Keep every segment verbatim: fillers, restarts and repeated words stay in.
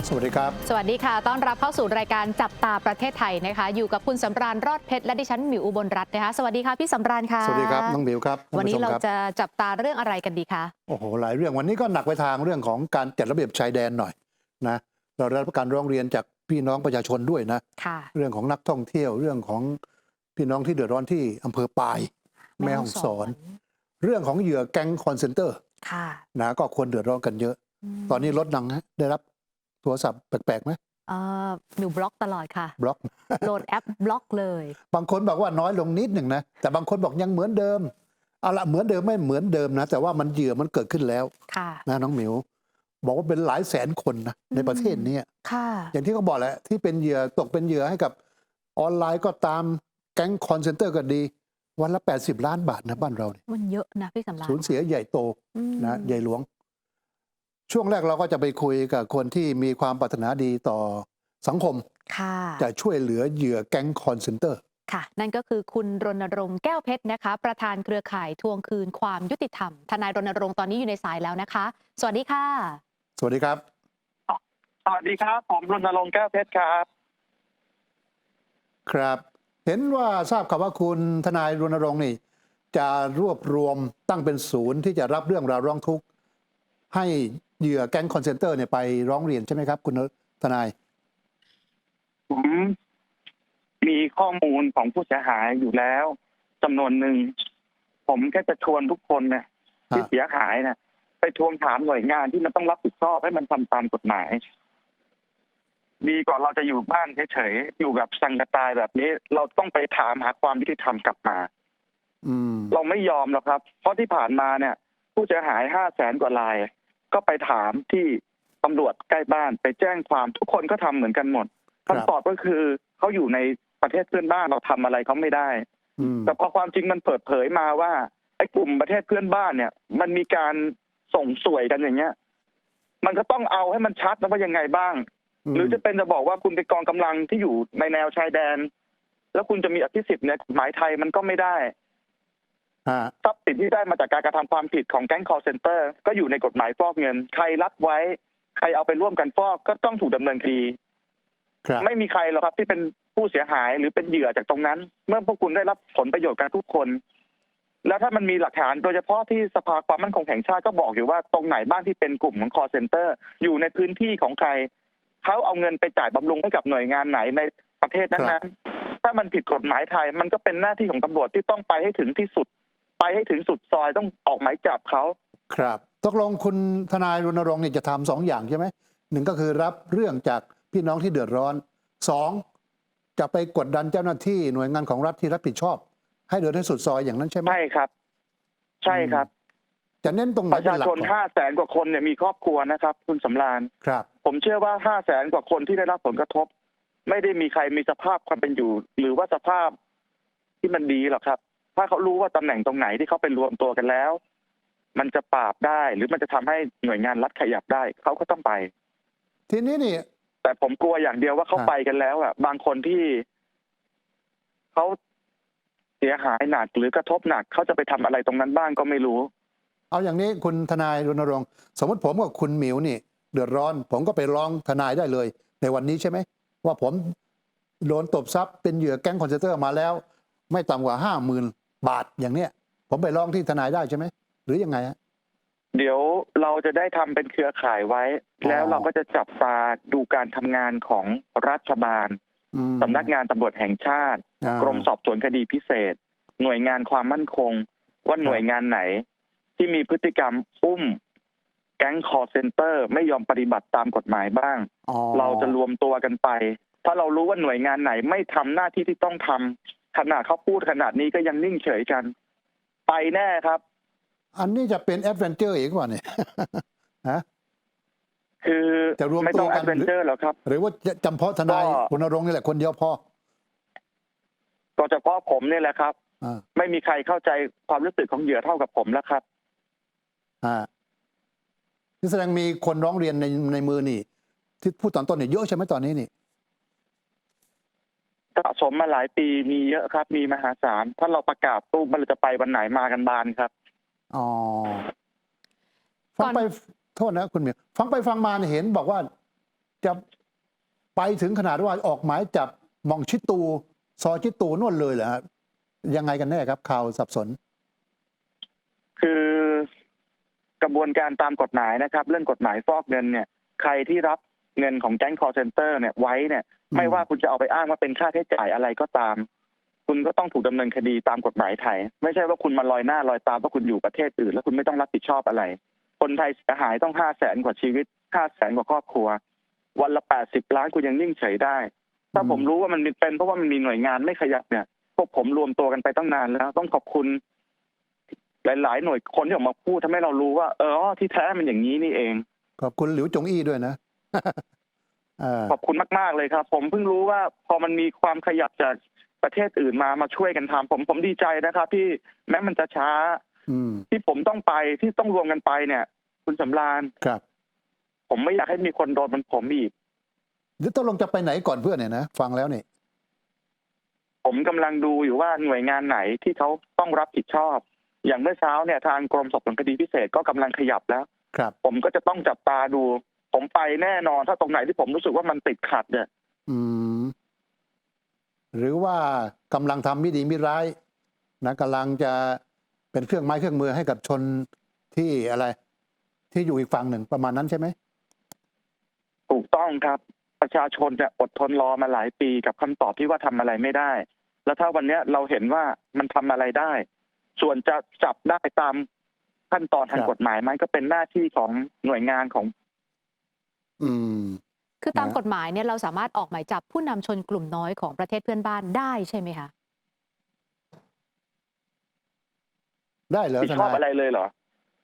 สวัสดีครับสวัสดีค่ะต้อนรับเข้าสู่รายการจับตาประเทศไทยนะคะอยู่กับคุณสำราญรอดเพชรและดิฉันหมิวอุบลรัตน์นะคะสวัสดีค่ะพี่สำราญค่ะสวัสดีครับน้องหมิวครับวันนี้เราจะจับตาเรื่องอะไรกันดีคะโอ้โหหลายเรื่องวันนี้ก็หนักไปทางเรื่องของการจัดระเบียบชายแดนหน่อยนะเราได้รับการร้องเรียนจากพี่น้องประชาชนด้วยนะค่ะเรื่องของนักท่องเที่ยวเรื่องของพี่น้องที่เดือดร้อนที่อำเภอปายแม่ฮ่องสอนเรื่องของเหยื่อแก๊งคอนเซนเตอร์ค่ะนะก็ควรเดือดร้อนกันเยอะ ตอนนี้รถดังนะได้รับโทรศัพท์แปลกๆไหมเอ่อหนูบล็อกตลอดค่ะบล็อกโหลดแอปบล็อกเลยบางคนบอกว่าน้อยลงนิดหนึ่งนะแต่บางคนบอกยังเหมือนเดิมเอาละเหมือนเดิมไม่เหมือนเดิมนะแต่ว่ามันเหยื่อมันเกิดขึ้นแล้วค่ะนะน้องหมิวบอกว่าเป็นหลายแสนคนนะในประเทศนี้ค่ะอย่างที่เขาบอกแหละที่เป็นเหยื่อตกเป็นเหยื่อให้กับออนไลน์ก็ตามแก๊งคอนเซนเตอร์ก็ดีวันละแปดสิบล้านบาทนะบ้านเราเนี่ยมันเยอะนะพี่สำราญสูญเสียใหญ่โตนะใหญ่หลวงช่วงแรกเราก็จะไปคุยกับคนที่มีความปรารถนาดีต่อสังคมค่ะจะช่วยเหลือเหยื่อแก๊งคอนเซนเตอร์ค่ะนั่นก็คือคุณรณรงค์แก้วเพชรนะคะประธานเครือข่ายทวงคืนความยุติธรรมทนายรณรงค์ตอนนี้อยู่ในสายแล้วนะคะสวัสดีค่ะสวัสดีครับสวัสดีครับผมรณรงค์แก้วเพชรครับครับเห็นว่าทราบข่าวว่าคุณทนายรณรงค์นี่จะรวบรวมตั้งเป็นศูนย์ที่จะรับเรื่องราวร้องทุกข์ให้เหยื่อแก๊งคอนเซนเตอร์เนี่ยไปร้องเรียนใช่ไหมครับคุณทนายผมมีข้อมูลของผู้เสียหายอยู่แล้วจำนวนหนึ่งผมแค่จะชวนทุกคนนะที่เสียหายนะไปทวงถามหน่วยงานที่มันต้องรับผิดชอบให้มันทำตามกฎหมายดีกว่าเราจะอยู่บ้านเฉยๆอยู่แบบสังกตายแบบนี้ เราต้องไปถามหาความยุติธรรมกลับมาอืมเราไม่ยอมหรอกครับเพราะที่ผ่านมาเนี่ย ผู้เสียหายห้าแสนกว่ารายก็ไปถามที่ตำรวจใกล้บ้านไปแจ้งความทุกคนก็ทำเหมือนกันหมดคำตอบก็คือเขาอยู่ในประเทศเพื่อนบ้านเราทำอะไรเขาไม่ได้แต่พอความจริงมันเปิดเผยมาว่าไอ้กลุ่มประเทศเพื่อนบ้านเนี่ย มันมีการส่งสวยกันอย่างเงี้ยมันก็ต้องเอาให้มันชัดนะว่ายังไงบ้าง หรือจะเป็นจะบอกว่าคุณเป็นกองกำลังที่อยู่ในแนวชายแดน แล้วคุณจะมีอภิสิทธิ์เนี่ยหมายไทยมันก็ไม่ได้ทรัพย์สินที่ได้มาจากการกระทำความผิดของแก๊ง call center ก็อยู่ในกฎหมายฟอกเงินใครรับไว้ใครเอาไปร่วมกันฟอกก็ต้องถูกดำเนินคดีไม่มีใครหรอกครับที่เป็นผู้เสียหายหรือเป็นเหยื่อจากตรงนั้น เมื่อพวกคุณได้รับผลประโยชน์กันทุกคนแล้วถ้ามันมีหลักฐานโดยเฉพาะที่สภาความมั่นคงแห่งชาติก็บอกอยู่ว่าตรงไหนบ้างที่เป็นกลุ่มของ call center อยู่ในพื้นที่ของใครเขาเอาเงินไปจ่ายบำรุงให้กับหน่วยงานไหนในประเทศนั้นๆถ้ามันผิดกฎหมายไทยมันก็เป็นหน้าที่ของตำรวจที่ต้องไปให้ถึงที่สุดไปให้ถึงสุดซอยต้องออกหมายจับเขาครับตกลงคุณทนายรณรงค์เนี่ยจะทำสองอย่างใช่ไหมหนึ่งก็คือรับเรื่องจากพี่น้องที่เดือดร้อนสองจะไปกดดันเจ้าหน้าที่หน่วยงานของรัฐที่รับผิดชอบให้เดินให้สุดซอยอย่างนั้นใช่ไหมใช่ครับใช่ครับจะเน้นตรงไหนประชาชนห้าแสนกว่าคนเนี่ยมีครอบครัวนะครับคุณสำราญครับผมเชื่อว่าห้าแสนกว่าคนที่ได้รับผลกระทบไม่ได้มีใครมีสภาพความเป็นอยู่หรือว่าสภาพที่มันดีหรอกครับถ้าเขารู้ว่าตำแหน่งตรงไหนที่เขาไปรวมตัวกันแล้วมันจะปราบได้หรือมันจะทำให้หน่วยงานรัฐขยับได้เขาก็ต้องไปทีนี้นี่แต่ผมกลัวอย่างเดียวว่าเขาไปกันแล้วอ่ะบางคนที่เขาเสียหายหนักหรือกระทบหนักเขาจะไปทำอะไรตรงนั้นบ้างก็ไม่รู้เอาอย่างนี้คุณทนายรณรงค์สมมติผมกับคุณหมิวนี่เดือดร้อนผมก็ไปร้องทนายได้เลยในวันนี้ใช่ไหมว่าผมโดนตบทรัพย์เป็นเหยื่อแก๊งคอนเซนเตอร์มาแล้วไม่ต่ำกว่าห้าหมื่นบาทอย่างเนี้ยผมไปร้องที่ทนายได้ใช่ไหมหรือยังไงฮะเดี๋ยวเราจะได้ทำเป็นเครือข่ายไว้แล้วเราก็จะจับตาดูการทำงานของรัฐบาลสำนักงานตำรวจแห่งชาติกรมสอบสวนคดีพิเศษหน่วยงานความมั่นคงว่าหน่วยงานไหนที่มีพฤติกรรมอุ้มแก๊ง call center ไม่ยอมปฏิบัติตามกฎหมายบ้างเราจะรวมตัวกันไปถ้าเรารู้ว่าหน่วยงานไหนไม่ทำหน้าที่ที่ต้องทำขนาดเขาพูดขนาดนี้ก็ยังนิ่งเฉยกันไปแน่ครับอันนี้จะเป็นแอดเวนเจอร์อีกว่าเนี่ยฮะคือจะรวมไม่ต้องแอดเวนเจอร์หรอกครับหรือว่าจำเพาะทนายรณรงค์นี่แหละคนเดียวพอก็เฉพาะผมนี่แหละครับไม่มีใครเข้าใจความรู้สึกของเหยื่อเท่ากับผมแล้วครับอ่านี่แสดงมีคนร้องเรียนในในมือนี่ที่พูดตอนต้นเนี่ยเยอะใช่ไหมตอนนี้นี่สะสมมาหลายปีมีเยอะครับมีมหาศาลถ้าเราประกาศตู้มันจะไปวันไหนมากันบานครับอ๋อฟังไปโทษนะคุณเมียฟังไปฟังมาเห็นบอกว่าจะไปถึงขนาดว่าออกหมายจับหม่องชิตูซอชิตูนู่นเลยเหรอฮะยังไงกันแน่ครับข่าวสับสนคือกระบวนการตามกฎหมายนะครับ เรื่องกฎหมายฟอกเงินเนี่ยใครที่รับเงินของแก๊ง call center เนี่ยไว้เนี่ยอืมไม่ว่าคุณจะเอาไปอ้างว่าเป็นค่าใช้จ่ายอะไรก็ตาม คุณก็ต้องถูกดำเนินคดีตามกฎหมายไทย ไม่ใช่ว่าคุณมาลอยหน้าลอยตาว่าคุณอยู่ประเทศอื่นแล้วคุณไม่ต้องรับผิดชอบอะไร คนไทยเสียหายต้องห้าแสนกว่าชีวิตห้าแสนกว่าครอบครัว วันละแปดสิบล้านคุณยังนิ่งเฉยได้ ถ้าผมรู้ว่ามันเป็นเพราะว่ามันมีหน่วยงานไม่ขยับเนี่ยพวกผมรวมตัวกันไปตั้งนานแล้วต้องขอบคุณหลายๆหน่วยคนที่ออกมาพูดทำให้เรารู้ว่าเออที่แท้มันอย่างนี้นี่เองขอบคุณหลิวจงอี้ด้วยนะ อ่าขอบคุณมากๆเลยครับ ผมเพิ่งรู้ว่าพอมันมีความขยับจากประเทศอื่นมามาช่วยกันทำผมผมดีใจนะครับที่แม้มันจะช้าอืมที่ผมต้องไปที่ต้องรวมกันไปเนี่ย คุณสำราญครับผมไม่อยากให้มีคนโดนเหมันผมอีกเดี๋ยวตกลงจะไปไหนก่อนเพื่อนเนี่ยนะฟังแล้วเนี่ยผมกำลังดูอยู่ว่าหน่วยงานไหนที่เขาต้องรับผิดชอบ อย่างเมื่อเช้าเนี่ยทางกรมสอบสวนคดีพิเศษก็กำลังขยับแล้วครับผมก็จะต้องจับตาดู ผมไปแน่นอนถ้าตรงไหนที่ผมรู้สึกว่ามันติดขัดเนี่ยอืม หรือว่ากำลังทำไม่ดีไม่ร้ายนะกำลังจะเป็นเครื่องไม้เครื่องมือให้กับชนที่อะไร ที่อยู่อีกฝั่งหนึ่งประมาณนั้นใช่ไหมถูกต้องครับ ประชาชนจะอดทนรอมาหลายปีกับคำตอบที่ว่าทำอะไรไม่ได้ แล้วถ้าวันนี้เราเห็นว่ามันทำอะไรได้ ส่วนจะจับได้ตามขั้นตอนทางครับกฎหมายไหมก็เป็นหน้าที่ของหน่วยงานของอืมคือตามนะกฎหมายเนี่ยเราสามารถออกหมายจับผู้นำชนกลุ่มน้อยของประเทศเพื่อนบ้านได้ใช่ไหมคะได้เหรอผิดทชอบนายอะไรเลยเหรอ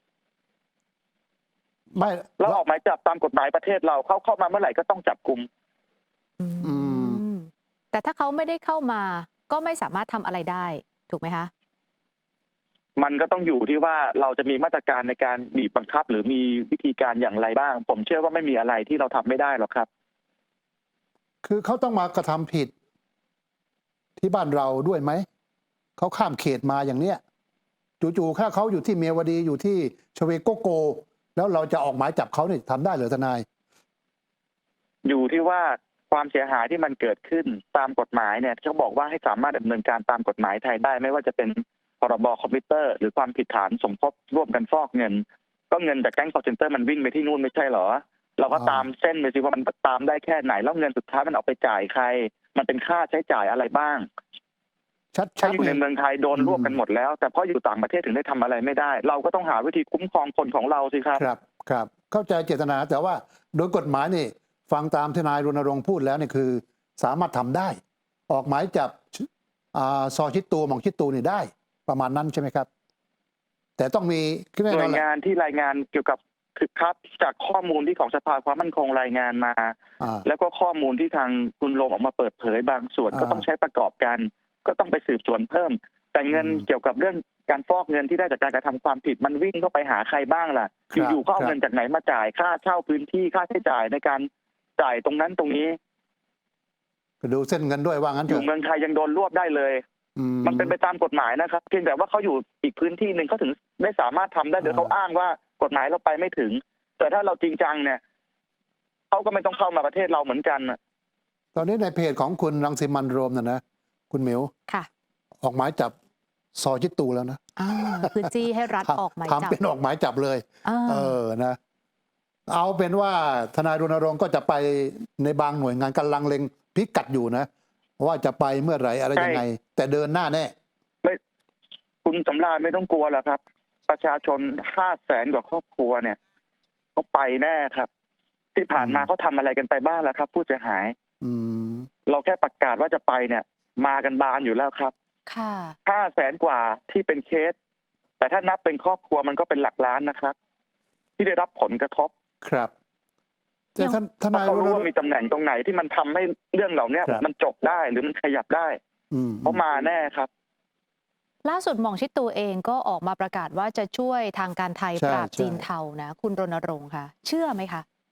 ไม่เราออกหมายจับตามกฎหมายประเทศเราเขาเข้ามาเมื่อไหร่ก็ต้องจับกุมอืมแต่ถ้าเขาไม่ได้เข้ามาก็ไม่สามารถทำอะไรได้ถูกไหมคะมันก็ต้องอยู่ที่ว่าเราจะมีมาตรการในการบีบบังคับ หรือมีวิธีการอย่างไรบ้าง ผมเชื่อว่าไม่มีอะไรที่เราทำไม่ได้หรอกครับคือเขาต้องมากระทำผิด ที่บ้านเราด้วยไหม เขาข้ามเขตมาอย่างเนี้ย จู่ๆถ้าเขาอยู่ที่เมียวดีอยู่ที่ชเวโกโก แล้วเราจะออกหมายจับเขาเนี่ยทำได้เหรือทนายอยู่ที่ว่าความเสียหายที่มันเกิดขึ้นตามกฎหมายเนี่ยเขาบอกว่าให้สามารถดำเนินการตามกฎหมายไทยได้ ไม่ว่าจะเป็นพรบคอมพิวเตอร์ หรือความผิดฐานสมคบร่วมกันฟอกเงิน ก็เงินจากแก๊ง call center มันวิ่งไปที่นู่นไม่ใช่เหรอ เราก็อ่าตามเส้นไปสิว่ามันตามได้แค่ไหนแล้วเงินสุดท้ายมันเอาไปจ่ายใคร มันเป็นค่าใช้จ่ายอะไรบ้างชัดถ้าๆอยู่ในเนี่ยเมืองไทยโดนอืมรวบกันหมดแล้ว แต่เพราะอยู่ต่างประเทศถึงได้ทำอะไรไม่ได้ เราก็ต้องหาวิธีคุ้มครองคนของเราสิครับครับครับเข้าใจเจตนาแต่ว่าโดยกฎหมายนี่ฟังตามทนายรณรงค์พูดแล้วเนี่ยคือ สามารถทำได้ ออกหมายจับอาซอชิดตูหม่องชิดตูนี่ได้ ประมาณนั้นใช่ไหมครับ แต่ต้องมีแน่หนน่อวน ยแหละงานที่รายงานเกี่ยวกับคือครับจากข้อมูลที่ของสภาความมั่นคงรายงานมาอ่าแล้วก็ข้อมูลที่ทางคุณโรมออกมาเปิดเผยบางส่วนอ่าก็ต้องใช้ประกอบกัน ก็ต้องไปสืบสวนเพิ่ม แต่เงินอืมเกี่ยวกับเรื่องการฟอกเงินที่ได้จากการกระทำความผิดมันวิ่งเข้าไปหาใครบ้างล่ะครับอยู่ๆเขาเอาครับเงินจากไหนมาจ่ายค่าเช่าพื้นที่ค่าใช้จ่ายในการจ่ายตรงนั้นตรงนี้ก็ดูเส้นเงินด้วยว่างั้นอเถยู่อะเมืองไทยยังโดนรวบได้เลยอืมันเป็นไปตามกฎหมายนะครับเพียงแต่ว่าเขาอยู่อีกพื้นที่หนึ่งเขาถึงได้สามารถทำได้โดยเขาอ้างว่ากฎหมายเราไปไม่ถึง แต่ถ้าเราจริงจังเนี่ยเขาก็ไม่ต้องเข้ามาประเทศเราเหมือนกันน่ะตอนนี้ในเพจของคุณรังสิมันต์โรมน่ะนะคุณหมิวค่ะออกหมายจับซอชิดตูแล้วนะอ่าคือจี้ให้รัฐทำออกหมายทำจับเป็นออกหมายจับเลยอ่าเออ นะ เอาเป็นว่าทนายรณรงค์ก็จะไปในบางหน่วยงานกำลังเล็งพิกัดอยู่นะ ว่าจะไปเมื่อไหร่อะไรยังไง แต่เดินหน้าแน่ไม่คุณสำราญไม่ต้องกลัวหรอกครับ ประชาชนห้าแสนกว่าครอบครัวเนี่ยเขาไปแน่ครับ ที่ผ่านมาอืมเขาทำอะไรกันไปบ้างแล้วครับ ผู้เสียหายอืมเราแค่ประกาศว่าจะไปเนี่ย มากันบานอยู่แล้วครับค่ะห้าแสนกว่าที่เป็นเคส แต่ถ้านับเป็นครอบครัวมันก็เป็นหลักล้านนะครับ ที่ได้รับผลกระทบครับแต่ท่านทเพนายราะรเขาณรู้รงว่าค์มีตำแหน่งตรงไหนที่มันทำให้เรื่องเหล่านี้ครับมันจบได้หรือมันขยับได้อืมเขามาแน่ครับล่าสุดหม่องชิดตูเองก็ออกมาประกาศว่าจะช่วยทางการไทยใช่ปราบใช่จีนเทานะ คุณรณรงค์ค่ะ เชื่อไหมคะ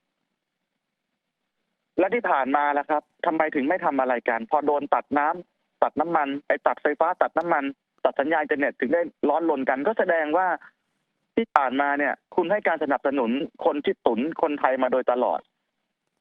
และที่ผ่านมาล่ะครับทำไมถึงไม่ทำอะไรกัน พอโดนตัดน้ำตัดน้ำมันไอ้ตัดไฟฟ้าตัดน้ำมัน ตัดสัญญาณอินเทอร์เน็ตถึงได้ร้อนรนกัน ก็แสดงว่าที่ผ่านมาเนี่ย คุณให้การสนับสนุนคนที่ตุนคนไทยมาโดยตลอด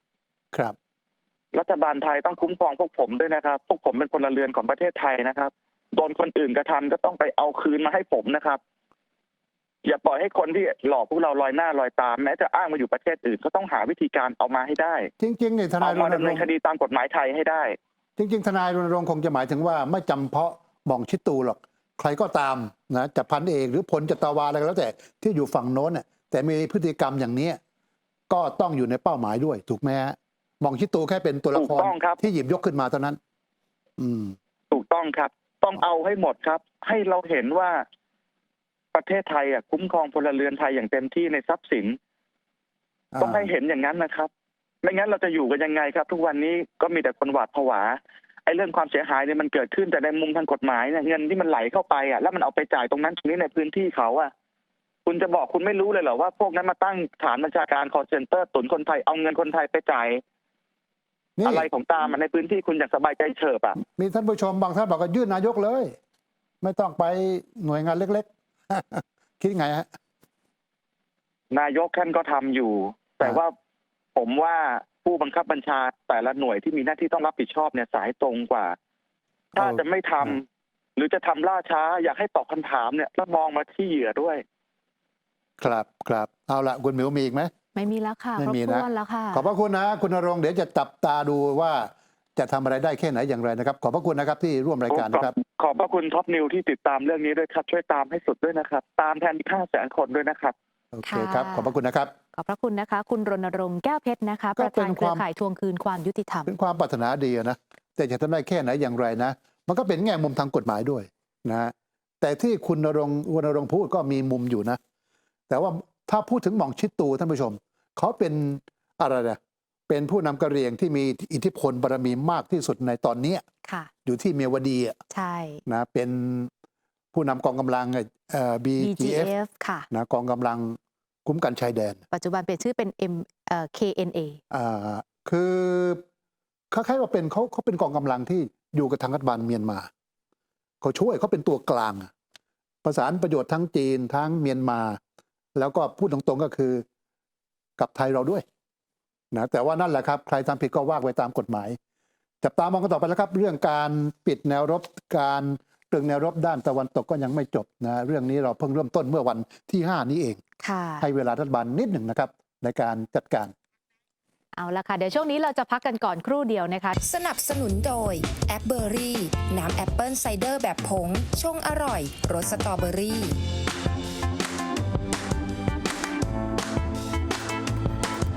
ครับรัฐบาลไทยต้องคุ้มครองพวกผมด้วยนะครับ พวกผมเป็นพลเรือนของประเทศไทยนะครับ โดนคนอื่นกระทำก็ต้องไปเอาคืนมาให้ผมนะครับ อย่าปล่อยให้คนที่หลอกพวกเราลอยหน้าลอยตามแม้จะอ้างมาอยู่ประเทศอื่นก็ต้องหาวิธีการเอามาให้ได้จริงๆเนี่ยทนาเอายรมาณดำรเนินงค์คดีตามกฎหมายไทยให้ได้จริงๆทนายรณรงค์คงจะหมายถึงว่าไม่จำเพาะหม่องชิดตูหรอกใครก็ตามนะจะพันเอกหรือพลจะตาวาอะไรก็แล้วแต่ที่อยู่ฝั่งโน้นน่ะแต่มีพฤติกรรมอย่างเนี้ยก็ต้องอยู่ในเป้าหมายด้วยถูกไหมฮะหม่องชิดตูแค่เป็นตัวละครถูกต้องครับที่หยิบยกขึ้นมาเท่านั้น อืมถูกต้องครับ ต้องเอาให้หมดครับ ให้เราเห็นว่าประเทศไทยอ่ะคุ้มครองพลเรือนไทยอย่างเต็มที่ในทรัพย์สิน ต้องให้เห็นอย่างนั้นนะครับ ไม่งั้นเราจะอยู่กันยังไงครับ ทุกวันนี้ก็มีแต่คนหวาดผวาไอ้เรื่องความเสียหายเนี่ยมันเกิดขึ้นแต่ในมุมทางกฎหมายเนี่ยเงินที่มันไหลเข้าไปอ่ะแล้วมันเอาไปจ่ายตรงนั้นตรงนี้ในพื้นที่เขาอ่ะคุณจะบอกคุณไม่รู้เลยเหรอว่าพวกนั้นมาตั้งฐานบัญชาการ call center ตุนคนไทยเอาเงินคนไทยไปจ่ายนี่อะไรของตามมาในพื้นที่คุณอย่างสบายใจเฉิบอ่ะมีท่านผู้ชมบางท่านบอกว่ายื่นนายกเลย ไม่ต้องไปหน่วยงานเล็กๆ คิดไงฮะนายกท่านก็ทำอยู่ แต่ว่าผมว่าผู้บังคับบัญชาแต่ละหน่วยที่มีหน้าที่ต้องรับผิดชอบเนี่ยสายตรงกว่า ถ้าเอาจะไม่ทำหรือจะทำล่าช้า อยากให้ตอบคำถามเนี่ยแล้วมองมาที่เหยื่อด้วยครับครับเอาละคุณหมิวมีอีกไหมไม่มีแล้วค่ะไม่ครบมีถ้นะวนแล้วค่ะขอบพระคุณนะคุณณรงค์เดี๋ยวจะจับตาดูว่าจะทำอะไรได้แค่ไหนอย่างไรนะครับ ขอบพระคุณนะครับที่ร่วมรายการนะครับขอบพระคุณท็อปนิวที่ติดตามเรื่องนี้ด้วยครับ ช่วยตามให้สุดด้วยนะครับ ตามแทนที่ห้าแสนคนด้วยนะครับโอเคครับ ขอบพระคุณนะครับขอบพระคุณนะคะ คุณรณรงค์แก้วเพชรนะคะก็ประเป็ธานนเครือความข่ายทวงคืนความยุติธรรมเป็นความปรารถนาดีนะแต่จะทำได้แค่ไหนอย่างไรนะ มันก็เป็นแง่มุมทางกฎหมายด้วยนะแต่ที่คุณณรงค์วรณรงค์พูดก็มีมุมอยู่นะ แต่ว่าถ้าพูดถึงหม่องชิดตูท่านผู้ชมเขาเป็นอะไรนะเป็นผู้นำกะเหรี่ยงที่มีอิทธิพลบารมีมากที่สุดในตอนเนี้ยค่ะอยู่ที่เมียวดีอะใช่นะเป็นผู้นำกองกำลังเอ่อ บีบีจีจีเอฟเอฟ ค่ะนะกองกำลังคุ้มกันชายแดนปัจจุบันเปลี่ยนชื่อเป็น M เอ่อ เค เอ็น เออ่าคือคล้ายๆว่าเป็นเขาเขาเป็นกองกำลังที่อยู่กับทางรัฐบาลเมียนมาเขาช่วยเขาเป็นตัวกลางอะประสานประโยชน์ทั้งจีนทั้งเมียนมา แล้วก็พูดตรงๆก็คือกับไทยเราด้วยนะแต่ว่านั่นแหละครับ ใครทำผิดก็ว่าไปตามกฎหมาย จับตามองกันต่อไปแล้วครับ เรื่องการปิดแนวรบการตรึงแนวรบด้านตะวันตกก็ยังไม่จบนะเรื่องนี้เราเพิ่งเริ่มต้นเมื่อวันที่ห้านี้เองค่ะให้เวลารัฐบาลนิดหนึ่งนะครับ ในการจัดการเอาละค่ะ เดี๋ยวช่วงนี้เราจะพักกันก่อนครู่เดียวนะคะสนับสนุนโดยแอปเบอรี่น้ำแอปเปิลไซเดอร์แบบผงชงอร่อยรสสตรอเบอรี่